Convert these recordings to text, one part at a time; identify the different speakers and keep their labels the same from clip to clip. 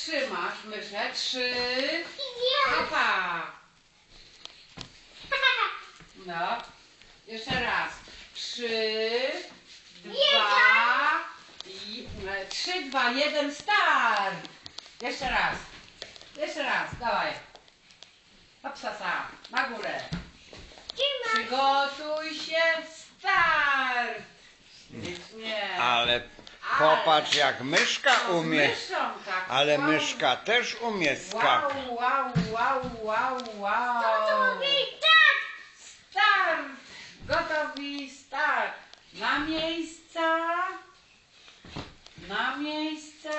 Speaker 1: trzymasz myszę. 3. Opa. No. Jeszcze raz. 3, 2 i 3, 2, 1, start. Jeszcze raz. Jeszcze raz. Dawaj. Hopsasa. Na górę. Przygotuj się. Start. Nie.
Speaker 2: Ale popatrz jak myszka umie.
Speaker 1: Myszą, tak.
Speaker 2: Ale
Speaker 1: Wow.
Speaker 2: myszka też umie skakać.
Speaker 1: Wow. Start. Gotowi, start. Na miejsca. Na miejsca.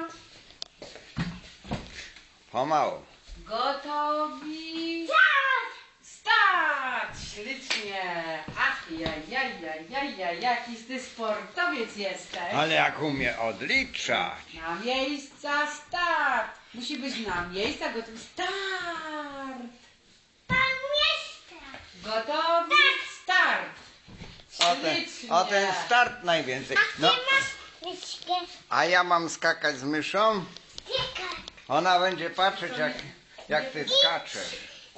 Speaker 2: Pomału.
Speaker 1: Gotowi. Start. Ślicznie. Ach, jaki ty sportowiec jesteś.
Speaker 2: Ale jak umie odliczać.
Speaker 1: Na miejsca, start. Musi być na miejsca, gotowi, start. Gotowi, start. Ślicznie.
Speaker 2: O ten start najwięcej. No, a ja mam skakać z myszą? Ona będzie patrzeć jak ty skaczesz.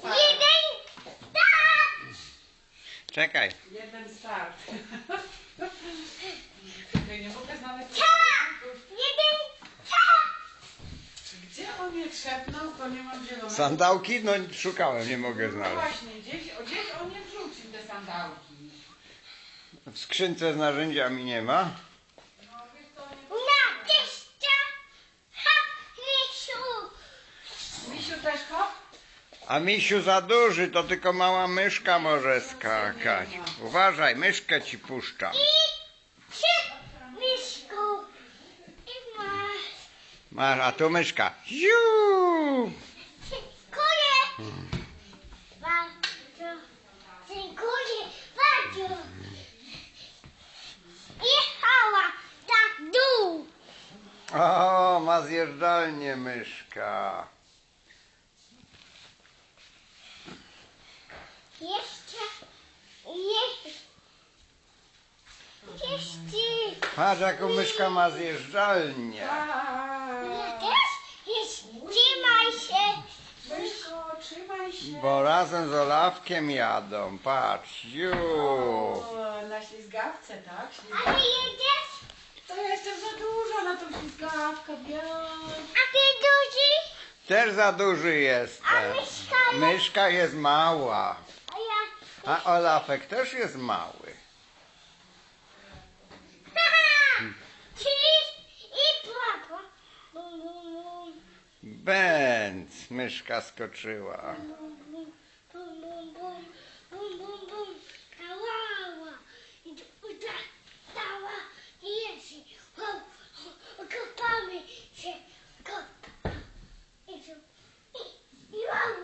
Speaker 2: Czekaj.
Speaker 1: Jeden start. Nie mogę znaleźć. Gdzie on je trzepnął, to nie mam zielonego.
Speaker 2: Sandałki? No szukałem, nie mogę
Speaker 1: No
Speaker 2: znaleźć.
Speaker 1: właśnie, gdzieś on je wrzucił, te sandałki.
Speaker 2: W skrzynce z narzędziami nie ma.
Speaker 1: No wiesz co, nie... Misiu też hop?
Speaker 2: A misiu za duży, to tylko mała myszka może skakać. Uważaj, myszkę ci puszcza. Masz, a tu myszka. Ziu!
Speaker 3: Dziękuję bardzo. Jechała tak dół.
Speaker 2: O, ma zjeżdżalnię myszka.
Speaker 3: Jeszcze.
Speaker 2: Patrz jaką myszka ma zjeżdżalnię.
Speaker 3: Ja też? Trzymaj się.
Speaker 1: Myszko, trzymaj się.
Speaker 2: Bo razem z Olafkiem jadą. Patrz, ziu.
Speaker 1: O, na ślizgawce, tak?
Speaker 3: A ty jedziesz?
Speaker 1: To ja jestem za duża na tą ślizgawkę,
Speaker 3: A ty duży?
Speaker 2: Też za duży
Speaker 3: A
Speaker 2: jestem.
Speaker 3: myszka?
Speaker 2: Myszka jest mała.
Speaker 3: A ja...
Speaker 2: A Olafek też jest mały.
Speaker 3: I papa. Bum, bum, bum.
Speaker 2: Bęc, myszka skoczyła.
Speaker 3: Bum, bum, bum, bum, bum. Bum, bum, bum. Kawała. I dała. I jest. Kopamy się. I wow.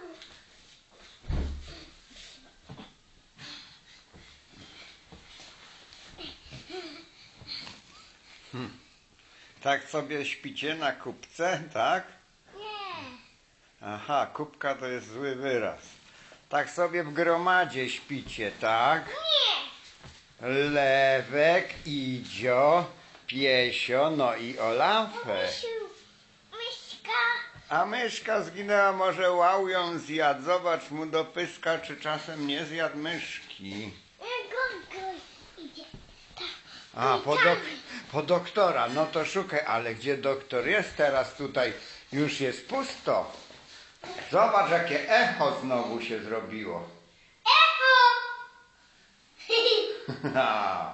Speaker 2: Tak sobie śpicie na kubce, tak?
Speaker 3: Nie.
Speaker 2: Aha, kubka to jest zły wyraz. Tak sobie w gromadzie śpicie, tak?
Speaker 3: Nie.
Speaker 2: Lewek, Idzio, Piesio, no i Olafek.
Speaker 3: Misiu, myszka.
Speaker 2: A myszka zginęła, może łał ją zjadł. Zobacz mu do pyska, czy czasem nie zjadł myszki.
Speaker 3: Gonko idzie.
Speaker 2: A, po doktora, no to szukaj, ale gdzie doktor jest teraz tutaj? Już jest pusto. Zobacz, jakie echo znowu się zrobiło.
Speaker 3: Echo!
Speaker 2: Ha.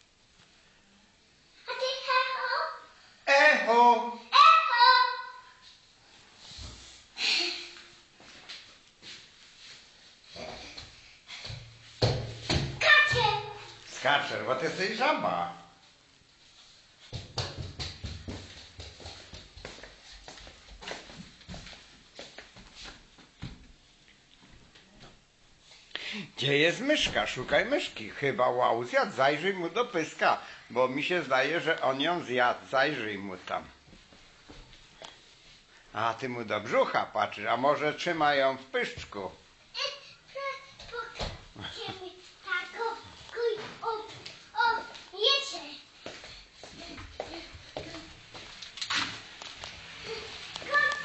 Speaker 3: A ty echo?
Speaker 2: Echo!
Speaker 3: Echo! Kacie!
Speaker 2: Skaczesz, bo ty jesteś żaba. Gdzie jest myszka? Szukaj myszki. Chyba łał zjadł. Zajrzyj mu do pyska, bo mi się zdaje, że on ją zjadł. Zajrzyj mu tam. A ty mu do brzucha patrzysz, a może trzyma ją w pyszczku.
Speaker 3: Kacie!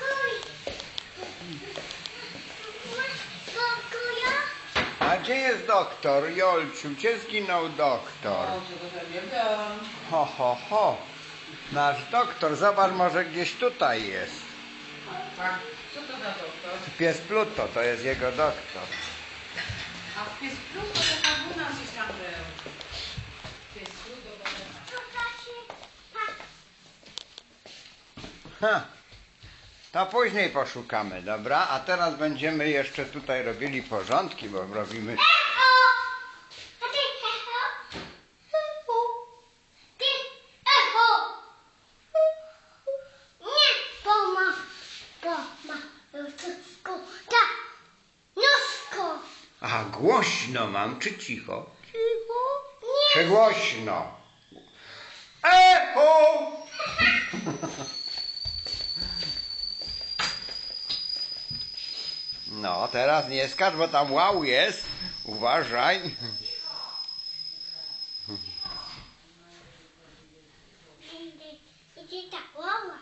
Speaker 2: gdzie jest doktor? Jolciu, gdzie zginął doktor?
Speaker 1: O, czego to nie wiem.
Speaker 2: Ho, ho, ho. Nasz doktor, zobacz, może gdzieś tutaj jest.
Speaker 1: Tak, co to za doktor?
Speaker 2: Pies Pluto, to jest jego doktor.
Speaker 1: A w pies Pluto to tam u nas gdzieś tam był. Pies Pluto to
Speaker 2: Ha. To później poszukamy, dobra? A teraz będziemy jeszcze tutaj robili porządki, bo robimy...
Speaker 3: Echo! A ty echo? Ty echo! Nie, bo ma nóżko, tak, nóżko.
Speaker 2: A głośno mam, czy cicho?
Speaker 3: Cicho? Nie.
Speaker 2: Czy głośno? Echo! No, teraz nie skacz, bo tam wow jest. Uważaj.
Speaker 3: Idzie tak, łała.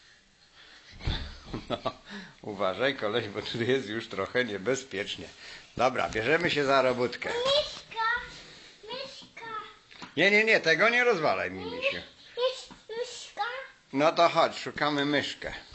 Speaker 2: No, uważaj, koleś, bo tu jest już trochę niebezpiecznie. Dobra, bierzemy się za robótkę.
Speaker 3: Myszka, myszka,
Speaker 2: Nie, tego nie rozwalaj mi, misiu.
Speaker 3: jest myszka.
Speaker 2: No to chodź, szukamy myszkę.